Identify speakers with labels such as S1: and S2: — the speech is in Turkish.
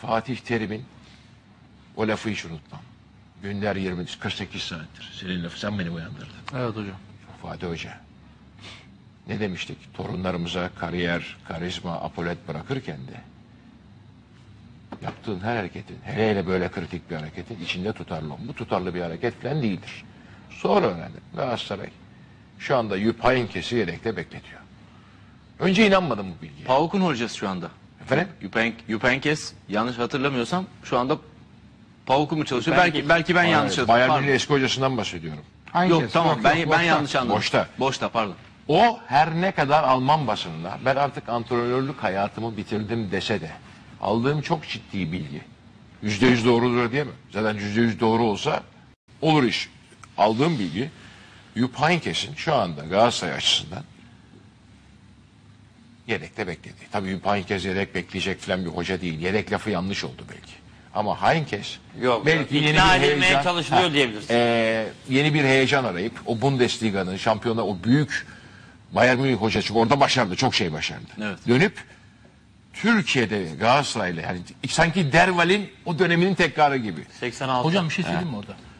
S1: Fatih Terim'in o lafı hiç unutmam. Günler 48 saattir. Senin lafı, sen beni uyandırdın.
S2: Evet hocam.
S1: Fatih Hoca. Ne demiştik? Torunlarımıza kariyer, karizma, apolet bırakırken de yaptığın her hareketin, hele hele böyle kritik bir hareketin içinde tutarlı. Bu tutarlı bir hareket falan değildir. Sonra öğrendim. Galatasaray şu anda Jupp Heynckes'i yedekte bekletiyor. Önce inanmadım bu bilgiye.
S3: PAOK'un hocası şu anda.
S1: Efendim?
S3: Jupp Heynckes, yanlış hatırlamıyorsam şu anda PAOK'u mu çalışıyor? Belki ben yanlış hatırlıyorum.
S1: Bayern
S3: Pardon.
S1: Münih'in eski hocasından bahsediyorum.
S3: Yok tamam, ben
S2: boşta.
S3: yanlış anladım.
S1: Boşta.
S3: Boşta, pardon.
S1: O her ne kadar Alman basınında ben artık antrenörlük hayatımı bitirdim dese de aldığım çok ciddi bilgi. %100 doğrudur diyemem. Zaten %100 doğru olsa olur iş. Aldığım bilgi Jupp Heynckes'in şu anda Galatasaray açısından yedekte bekledi. Tabii Jupp Heynckes yedek bekleyecek falan bir hoca değil. Yedek lafı yanlış oldu belki. Ama Heynckes
S4: Yok,
S1: belki yeni
S4: ikna
S1: bir
S4: edilmeye
S1: heyecan,
S4: çalışılıyor diyebiliriz.
S1: yeni bir heyecan arayıp o Bundesliga'nın şampiyonluğu, o büyük Bayern Münih hocası, çünkü orada başardı, çok şey başardı.
S3: Evet.
S1: Dönüp Türkiye'de Galatasaray'la, yani sanki Derval'in o döneminin tekrarı gibi.
S4: 86.
S2: Hocam bir şey söyleyeyim mi orada?